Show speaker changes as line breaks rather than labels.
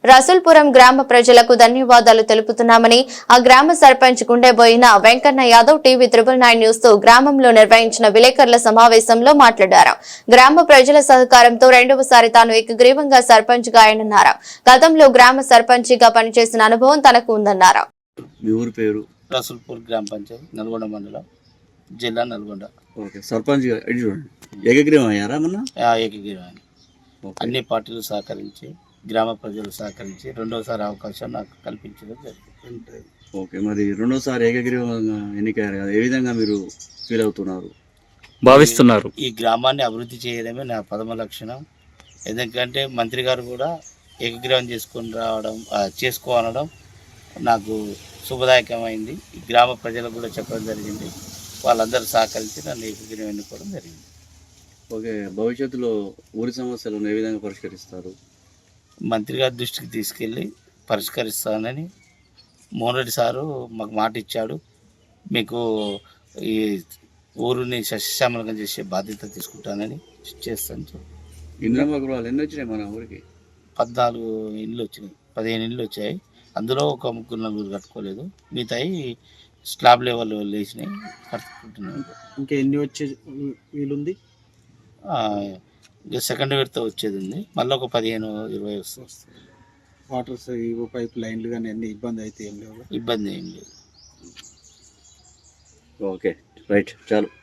రసూల్పురం గ్రామ ప్రజలకు ధన్యవాదాలు తెలుపుతున్నామని ఆ గ్రామ సర్పంచ్ గుండెబోయిన వెంకన్న యాదవ్ టీవీ 999 న్యూస్ తో గ్రామంలో నిర్వహించిన విలేకరుల సమావేశంలో మాట్లాడారు. గ్రామ ప్రజల సహకారంతో రెండవసారి తాను ఏకగ్రీవంగా సర్పంచ్ గా ఆయనన్నారు. గతంలో గ్రామ సర్పంచిగా పనిచేసిన అనుభవం తనకు ఉందన్నారు.
మీ ఊరు పేరు?
రసూల్పూర్ గ్రామ పంచాయతీ, నల్గొండ మండలం, జిల్లా నల్గొండ.
ఓకే, సర్పంచ్ చూడండి, ఏకగ్రీవం అయ్యారా మొన్న?
ఏకగ్రీవాన్ని అన్ని పార్టీలు సహకరించి, గ్రామ ప్రజలు సహకరించి రెండోసారి అవకాశం నాకు కల్పించడం జరిగింది.
ఓకే, మరి రెండోసారి ఏకగ్రీవంగా ఎన్నికయ్యారు కదా, ఏ విధంగా మీరు ఫీల్ అవుతున్నారు,
భావిస్తున్నారు?
ఈ గ్రామాన్ని అభివృద్ధి చేయడమే నా ప్రథమ లక్షణం. ఎందుకంటే మంత్రి గారు కూడా ఏకగ్రీవం చేసుకోవడం నాకు శుభదాయకమైంది. ఈ గ్రామ ప్రజలకు కూడా చెప్పడం జరిగింది. వాళ్ళందరూ సహకరించి నన్ను ఏకగ్రీవం ఎన్నుకోవడం జరిగింది.
ఓకే, భవిష్యత్తులో ఊరి సమస్యలను ఏ విధంగా పరిష్కరిస్తారు?
మంత్రి గారి దృష్టికి తీసుకెళ్ళి పరిష్కరిస్తానని మోహన్ రెడ్డి సారు మాకు మాట ఇచ్చాడు. మీకు ఈ ఊరిని సస్యశ్యామలంగా చేసే బాధ్యత తీసుకుంటానని చేస్తాను.
ఇంద్రమ్మ గృహాలు ఎన్ని వచ్చినాయి మన ఊరికి?
14 ఇండ్లు వచ్చినాయి, 15 ఇండ్లు వచ్చాయి. అందులో ఒక 3-4 కట్టుకోలేదు, మిగతాయి స్లాబ్ లెవెల్ వేసినాయి, కట్టుకుంటున్నాయి.
ఇంకా ఎన్ని వచ్చే వీలుంది?
ఇంకా సెకండ్ విడత వచ్చేది ఉంది, మళ్ళీ ఒక 15-20 వస్తుంది.
వాటర్ పైప్ లైన్లు కానీ అన్ని ఇబ్బంది అయితే ఏం లేవు?
ఇబ్బంది ఏం లేదు.
ఓకే, రైట్, చాలు.